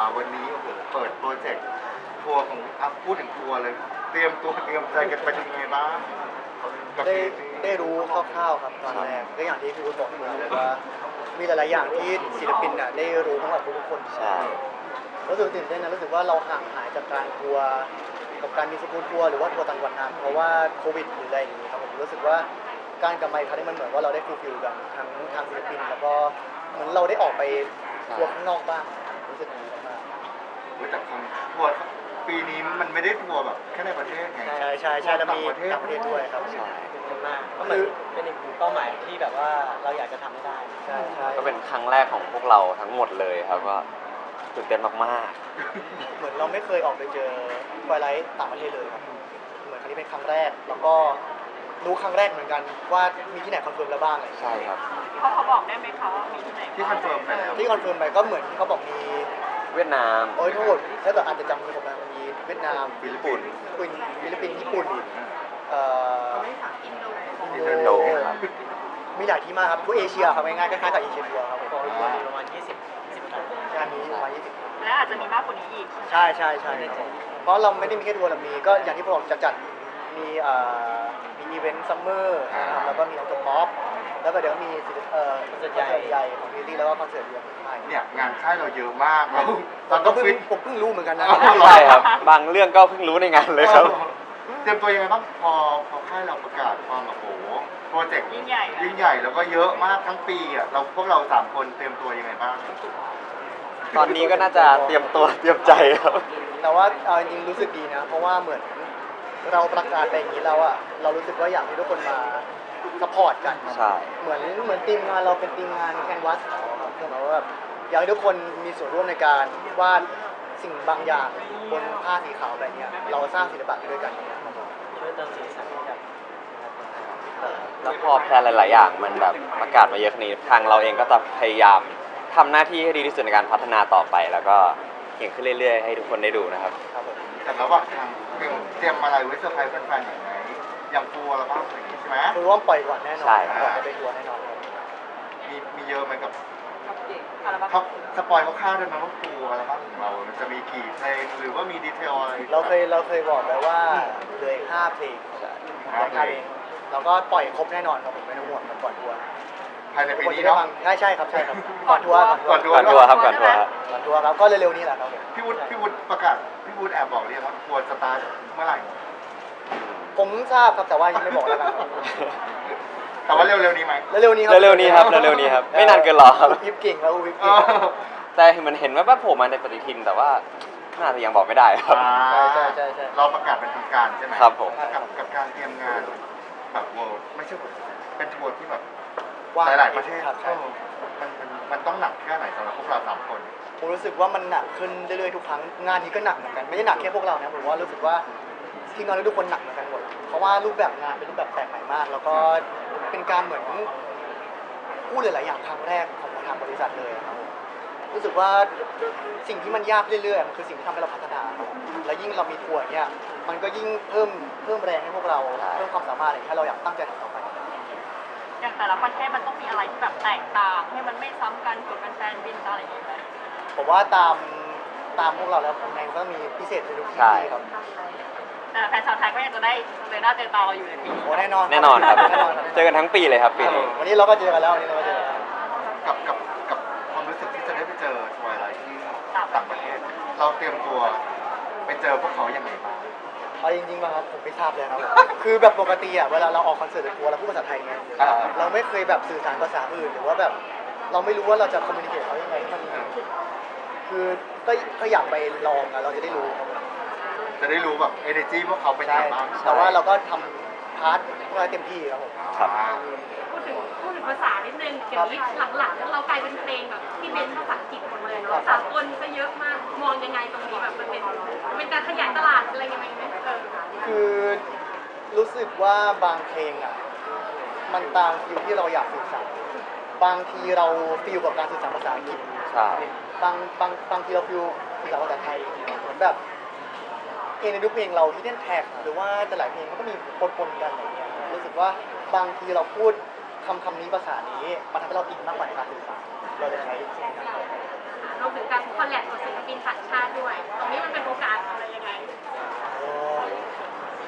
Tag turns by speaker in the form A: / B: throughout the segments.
A: วันนี้โอ้โหเปิดโปรเจกต์ทัวร์ของพูดถึงทัวร์เลยเตรียมตัวเตรียมใจกันไปยังไงบ้างกับ
B: ได้
A: เพลงนี้
B: ได้รู้คร่าวๆครับตอนแรกก็อย่างที่พี่วุฒิบอกมาเลยว่ามีหลายๆอย่างที่ศิลปินน่ะได้รู้ทั้งหมดทุกคน
C: ใช่
B: รู้สึกตื่นเต้นนะรู้สึกว่าเราห่างหายจากการทัวร์กับการมีสกู๊ตทัวร์หรือว่าทัวร์ต่างจังหวัดนานเพราะว่าโควิดหรืออะไรอย่างนี้ครับผมรู้สึกว่าการกลับมาอีกครั้งนี้มันเหมือนว่าเราได้ฟูลฟิลกันทั้งทางศิลปินแล้วก็เหมือนเราได้ออกไปทัวร์ข้างนอกบ้างรู้สึกดีมาก
A: แต่คงทัวร์ปีนี้มันไม่ได้ทัวร์แบบแค่ในประเทศไง
B: ใช่ใช่ใช่แล้วมีต่างประเทศด้วยครับ
C: ใช่
D: มากก็เหมือนเป็นอีกเป้าหมายที่แบบว่าเราอยากจะทำให้ได้
B: ใช่ใช่
C: ก็เป็นครั้งแรกของพวกเราทั้งหมดเลยครับก็ตื่นเต้นมาก
B: เหมือนเราไม่เคยออกไปเจอไฟไลท์ต่างประเทศเลยครับเหมือนครั้งนี้เป็นครั้งแรกแล้วก็รู้ครั้งแรกเหมือนกันว่ามีที่ไหนคอนเฟิร์มแล้วบ้างอะไรอย่าง
C: ๆ
B: เงี้ย
C: ใช่ครับ
E: เขาบอกได้ไหมคะว่ามีที่ไหน
A: ที่คอนเฟิร์มไปแล้ว
B: ที่คอนเฟิร์มไปก็เหมือนที่เขาบอกมี
C: เวียดนาม
B: โอ้ยทั้งหมดถ้าเกิดอาจจะจำไม่ผมนะมีเวียดนาม
A: ฟิลิปปินส์
B: ฟิลิปปินส์ญี่ปุ่นเอ่อ
E: อินโด
B: อิน
C: อิน
B: โด
C: โดครับ
B: มีหลายที่มากครับทั่วเอเชียครับง่ายๆคล้ายๆกับเอเชียทัวร์ครับผม
D: ประมาณ20ครั้ง
B: งานนี้ประมาณ20
E: และอาจจะมีมากกว่านี้อีก
B: ใช่ใช่ใช่ครับผมเพราะเราไม่ได้มีแค่ทัวร์เรามีก็อย่างที่ผมบอกจะจัดมีมีอีเวนต์ซัมเมอร์นะครับแล้วก็มีออโตป๊อปแล้วก็เดี๋ยวมีคอนเสิร์ตใหญ่ของพีตี้แล้วก็คอนเสิร์ตเดียวของค่าย
A: เนี่ยงานค่ายเราเยอะมากเรา
B: ตอนก็เพิ่งผมเพิ่งรู้เหมือนกันนะ
C: ใช่ครับ บางเรื่องก็เพิ่งรู้ในงานเลยครับ
A: เตรียมตัวยังไงบ้างพอค่ายเราประกาศความแบบโอ้โหโปรเจกต์
E: ยิ่งใหญ่
A: ยิ่งใหญ่แล้วก็เยอะมากทั้งปีอ่ะเราพวกเรา3คนเตรียมตัวยังไงบ้าง
C: ตอนนี้ก็น่าจะเตรียมตัวเตรียมใจครับ
B: แต่ว่าจริงๆรู้สึกดีนะ เพราะว่าเหมือนเราประกาศไปอย่างนี้แล้วอ่ะเรารู้สึกว่าอยากให้ทุกคนมาสปอร์ตกัน
C: ใช่
B: เหมือนทีมงานเราเป็นทีมงานแคนวาสครับคือหมายว่าแบบอยากให้ทุกคนมีส่วนร่วมในการวาดสิ่งบางอย่างบนผ้าสีขาวอะไรเงี้ยเราสร้างศิลปะไปด้วยกันเนี่ยครับผม
D: ช่วยเติมสีสันให้กับ
C: แล้วพอแพลนหลาย ๆ อย่างมันแบบประกาศมาเยอะขนาดนี้ทางเราเองก็จะพยายามทำหน้าที่ให้ดีที่สุดในการพัฒนาต่อไป แล้วก็เก่งขึ้นเรื่อย ๆ ให้ทุกคนได้ดูนะครับ
B: ครับผม
A: แต่ระหว่างทางเตรียมอะไรไว้เซอร์ไพรส์แฟนๆอย่างไรอย่างทัวร์เราบ้างอย่างนี้ใช่ไหม
B: คือว่าปล่อยก่อนแน่นอน
C: ใช่
B: ก่อนจะไปทัวร์แน่นอนครับ
A: มีเยอะไหมกับ
E: อัลบั้ม
A: เขาสปอยล์คร่าวๆได้ไหมว่าทัวร์อัลบั้มของเรา มันจะมีกี่เพลงหรือว่ามีดีเทลอะไร
B: เราเคยบอกไปว่าเหลืออีก5 เพลงเหลืออีก5เพลงเราก็ปล่อยครบแน่นอนครับผมไม่ต้องห่วงครับก่อนทัวร์
A: ภายในปีนี้เนาะ
B: ใช่ครับก่อนทัวร์
A: ก่อนทัว
C: ก่อนทัวร์ครับก่อนทัวร์ครับ
B: ก่อนทัวร์ครับก็เร็วๆนี้แหละครับผม
A: พี่วุฒิประกาศพี่วุฒิแอบบอกเรียกว่าทัวร์สตาร์ทเมื่อไหร่
B: ผมทราบครับแต่ว่ายังไม่บอกแล้วกันครับ
A: แต่ว่าเร็วๆนี้ไหม
B: เร็วๆนี้ครับ
C: เร็วๆนี้ครับเร็วๆนี้ครับไม่นานเกินรอครับ
B: วิปเก่งแล้ววิป
A: เอ
B: เก่ง
A: อ
C: แต่มันเห็นว่าโผล่มาในปฏิทินแต่ว่าน่าจะยังบอกไม่ได้ครับ
B: ใช่
A: เราประกาศเป็นทางการใช่ไหม
C: ครับผม
A: กับการเตรียมงานแบบเวิลด์ไม่ใช่เป็นทัวร์ที่แบบ
B: ว่าง
A: หลายๆประเทศ
B: ครับใช่
A: มันต้องหนักแค่ไหนสำหรับพวกเรา3 คน
B: ผมรู้สึกว่ามันหนักขึ้นเรื่อยๆทุกครั้งงานนี้ก็หนักเหมือนกันไม่ได้หนักแค่พวกเรานะผมว่ารู้สึกว่าทีมงานทุกคนหนักเหมือนกันหมดเพราะว่ารูปแบบงานเป็นรูปแบบแปลกใหม่มาก แล้วก็เป็นการเหมือนพูดหลายๆอย่างครั้งแรกของทางบริษัทเลยครับผมรู้สึกว่าสิ่งที่มันยากเรื่อยๆมันคือสิ่งที่ทำให้เราพัฒนาครับและยิ่งเรามีทัวร์เนี่ยมันก็ยิ่งเพิ่มแรงให้พวกเราเพิ่มความสามารถอะไรให้เราอยากตั้งใจทำต่อไป
E: อย่างแต่ละประเทศมันต้องมีอะไรที่แบบแตกต่างให้มันไม่ซ้ำกันเกิดเป็นแฟนบินอะไรอย่างเงี้ยไหม
B: ผมว่าตามพวกเราแล้วผมเองก็มีพิเศษในทุก
C: ใช่
B: ที่ครับ
E: แต่แฟนชาวไทยก็ยังจะได้เจอหน้าเจอตาเราอยู่ในปีนี้
B: โอ้แน่นอน
C: แน่นอนครับ
B: แน่นอนครับ
C: เจอกันทั้งปีเลยครับปีนี้
B: วันนี้เราก็เจอกันแล้ววันนี้เราก็เจอกันแล้ว
A: กับความรู้สึกที่จะได้ไปเจอทัวร์อะไรที่ต่างประเทศ เราเตรียมตัวไปเจอพวกเขาอย่างไรบ้าง
B: เอาจริงๆป่ะครับผมไม่ทราบเลยครับคือแบบปกติอ่ะเวลาเราออกคอนเสิร์ตหรือทัวร์เราพูดภาษาไทยไงเราไม่เคยแบบสื่อสารภาษาอื่นหรือว่าแบบเราไม่รู้ว่าเราจะคอมมิวนิเคชเขายังไงให้มันคือก็อยากไปลองอ่ะเราจะได้รู้ครับ
A: จะได้รู้แบบ energy พวกเขาเป็นยัง
B: ใช่
A: ไงบ้าง
B: แต่ว่าเราก็ทำพาร์ทพวกเราเต็มที่ครับผม
C: ครับ
F: พูดถึงภาษานิดนึงเดี๋ยวนี้หลังๆเรากลายเป็นเพลงแบบที่เน้นภาษาอังกฤษหมดเลยเนาะสากลก็เยอะมากมองยังไงตรงนี้แบบมันเป็นการขยายตลาดอะไรยังไงไหม
B: คือรู้สึกว่าบางเพลงอ่ะมันตามฟิลที่เราอยากสื่อสารบางทีเราฟิลกับการสื่อสารภาษาอังกฤษ
C: ใช่
B: บางทีเราฟิลสื่อสารภาษาไทยเหมือนแบบเพลงในทุกเพลงเราที่เล่นแท็กหรือว่าแต่หลายเพลงมันก็มีปนๆกันอะไรเงี้ยรู้สึกว่าบางทีเราพูดคำนี้ภาษานี้มันทำให้เราอินมากกว่าในการสื่อสารเราเลยใช้สิ่งนั้น
F: รวมถึงการคอลแลบกับศิลปินต่างช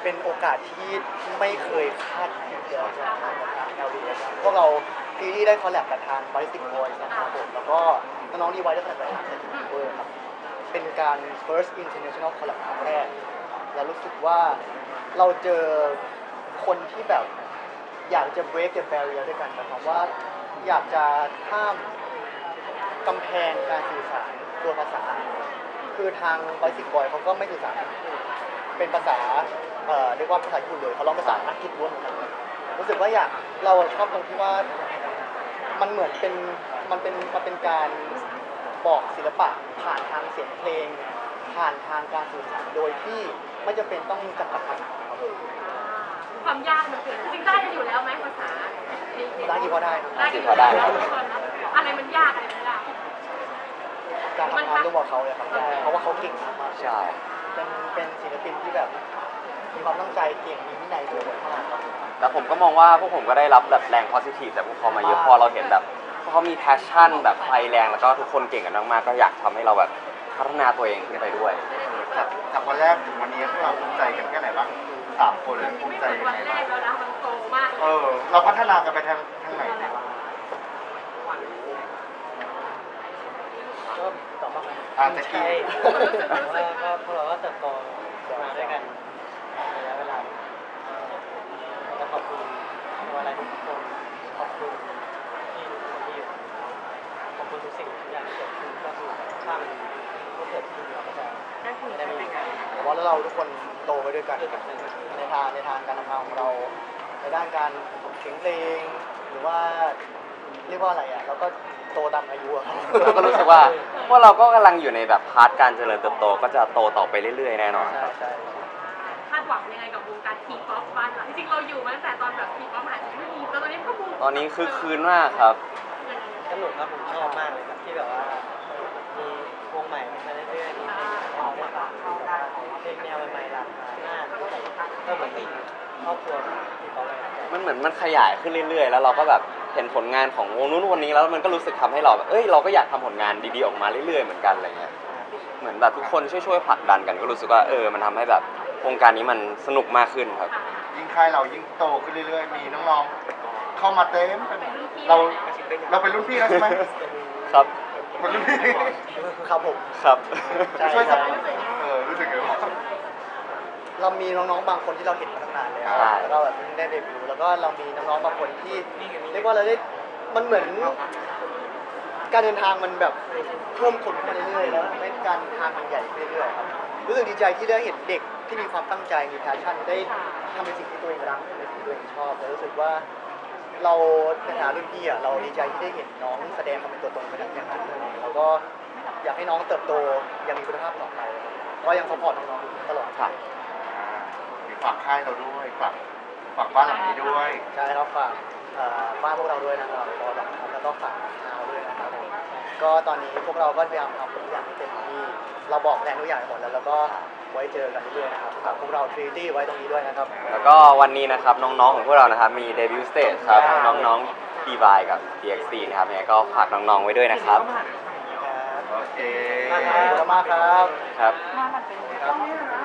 B: เป็นโอกาสที่ไม่เคยคาดคิดเลยจากทาง LDS พวกเราทีที่ได้คอลแลบกับทาง Ballistic Boys นะครับผมแล้วก็น้องๆดีไว้ได้คอลแลบกับทาง Ballistic Boys ครับเป็นการ first international collab ครั้งแรกแล้วรู้สึกว่าเราเจอคนที่แบบอยากจะ break the barrier ด้วยกันนะครับว่าอยากจะข้ามกำแพงการสื่อสารตัวภาษา คือทาง Basic Boy เขาก็ไม่สื่อสารเป็นภาษาเรียกว่าภาษาญี่ปุ่นเลยเขาร้องภาษาอังกฤษล้วนเหมือนกันรู้สึกว่าเราชอบตรงที่ว่ามันเหมือนเป็นมันเป็นการบอกศิลปะผ่านทางเสียงเพลง ผ่านทางการสื่อสารโดยที่ไม่จำเป็นต้องจำกัดภาษาครับ
F: ความยากมันคือจริงๆได้กันอยู่แล้วไหมภาษา
B: ร้านกี่พอได้ครับ
F: ได้กันอยู่แล้วอะไรมันยากอะไรมันยาก
B: การทำงานร่วมกับเขาเลยครับเพราะว่าเขาเก่งมาก
C: ใช่
B: เป็นศิลปินที่แบบมีความตั้งใจเก่งมีวินัยด้วยมากครับ
C: แล้วผมก็มองว่าพวกผมก็ได้รับแบบแรง positive จากพวกเขามาเยอะพอเราเห็นแบบพวกเขามี passion แบบไฟแรงแล้วก็ทุกคนเก่งกันมากๆก็อยากทำให้เราแบบพัฒนาตัวเองขึ้นไปด้วย
A: จากวันแรกถึงวันนี้พวกเราภูมิใจกันแค่ไหนบ้าง3 คนเลยภูมิใจ
F: ไม่
A: ยัง
F: เหมือน
A: ไง
F: วันแร
A: บ้าง
F: กแล้วนะมันโตมาก
A: เราพัฒนากันไปทางไหนบ้าง
D: ก็ตอบบ้างไหม
A: จะ
D: ใช่
A: กี่
D: ก็พวกเราก็เติบโตมาด้วยกันระยะเวลาก็ขอบคุณอะไรทุกคนขอบคุณที่ทุกคนที่อยู่ขอบคุณทุกสิ่งทุกอย่างที่เกิดขึ้นก็คือถ้ามันไม่เกิดขึ้นเราก็จะไม่ได้มีการ
B: ผมว่าแล้วเราทุกคนโตไปด้วยกัน
D: เกิดกับเรื่อง
B: ในทางการทำงานของเราในด้านการเขียนเพลงหรือว่าเรียกว่าอะไรอ่ะเราก็โตตามอายุอะครับ
C: เราก็รู้สึกว่าพวกเราก็กำลังอยู่ในแบบพาร์ทการเจริญเติบโตก็จะโตต่อไปเรื่อยๆแน่นอน
B: ใช่
C: ครับ
B: ใช่
F: คาดหวังยังไงกับวงการทีป๊อปบ้านเราจริงๆเราอยู่มาตั้งแต่ตอนแบบทีป๊อปหายไม่มีแต่ตอนนี้ก็บูม
C: ตอนนี้คือคืนมากครับ
D: สนุกครับผมชอบมากเลยครับที่แบบว่ามีวงใหม่มาเรื่อยๆมีเพลงให้เราได้ฟังเพลงแนวใหม่ๆหลากหลายมากก็เหมือนเป็นครอบครัวที่เขาเลย
C: มันเหมือนมันขยายขึ้นเรื่อยๆ แล้วเราก็แบบเห็นผลงานของวงนู้นวันนี้แล้วมันก็รู้สึกทำให้เราแบบเราก็อยากทำผลงานดีๆออกมาเรื่อยๆเหมือนกันอะไรเงี้ยเหมือนแบบทุกคนช่วยๆผลักดันกันก็รู้สึกว่ามันทำให้แบบวงการนี้มันสนุกมากขึ้นครับ
A: ยิ่งค่ายเรายิ่งโตขึ้นเรื่อยๆ มีน้องๆเข้ามาเต็มไปหมดเราเป็นรุ่นพี่แล้วใช่ไหม
C: ครับ
A: เป็นรุ่นพี่
B: ครับผม
C: ครับ
B: ใช่
A: ช่วยสั
B: ใช่
A: บรู้สึกไงบ้าง
B: เรามีน้องๆบางคนที่เราเห็นมาตั้งนานแล้ว
C: ใช่
B: แล้วก็แบบเพิ่งได้เดบิวต์แล้วก็เรามีน้องๆบางคนที่เรียกว่าเราได้มันเหมือนการเดินทางมันแบบเพิ่มคนขึ้นมาเรื่อยๆแล้วทำให้การทางมันใหญ่ขึ้นเรื่อยๆครับรู้สึกดีใจที่ได้เห็นเด็กที่มีความตั้งใจมีแพชชั่นได้ทำในสิ่งที่ตัวเองรักในสิ่งที่ตัวเองชอบแล้วรู้สึกว่าเราในฐานะรุ่นพี่เราดีใจที่ได้เห็นน้องแสดงความเป็นตัวตนเป็นอย่างนั้นแล้วก็อยากให้น้องเติบโตยังมีคุณภาพต่อไปก็ยังซัพพอร์ตน้องๆตลอด
C: ครับ
A: ฝากค่ายเราด้วยฝากบ้านหลังนี้ด้วย
B: ใช่ครับฝากบ้านพวกเราด้วยนะครับพอหลังนะครับแล้วก็ฝากทางเราด้วยนะครับผมก็ตอนนี้พวกเราก็พยายามทำทุกอย่างให้เต็มที่เราบอกแทนทุกอย่างหมดแล้วก็ไว้เจอกันเรื่อยๆนะครับฝากพวกเราทรีตี้ไว้ตรงนี้ด้วยนะครับ
C: แล้วก็วันนี้นะครับน้องๆของพวกเรานะครับมีเดบิวต์สเตจครับน้องๆ D-By กับ DXC นะครับยังไงก็ฝากน้องๆไว้ด้วยนะครับ
A: โอเค
B: ขอบคุณมากครับ
C: ครับ
E: มามันเป็น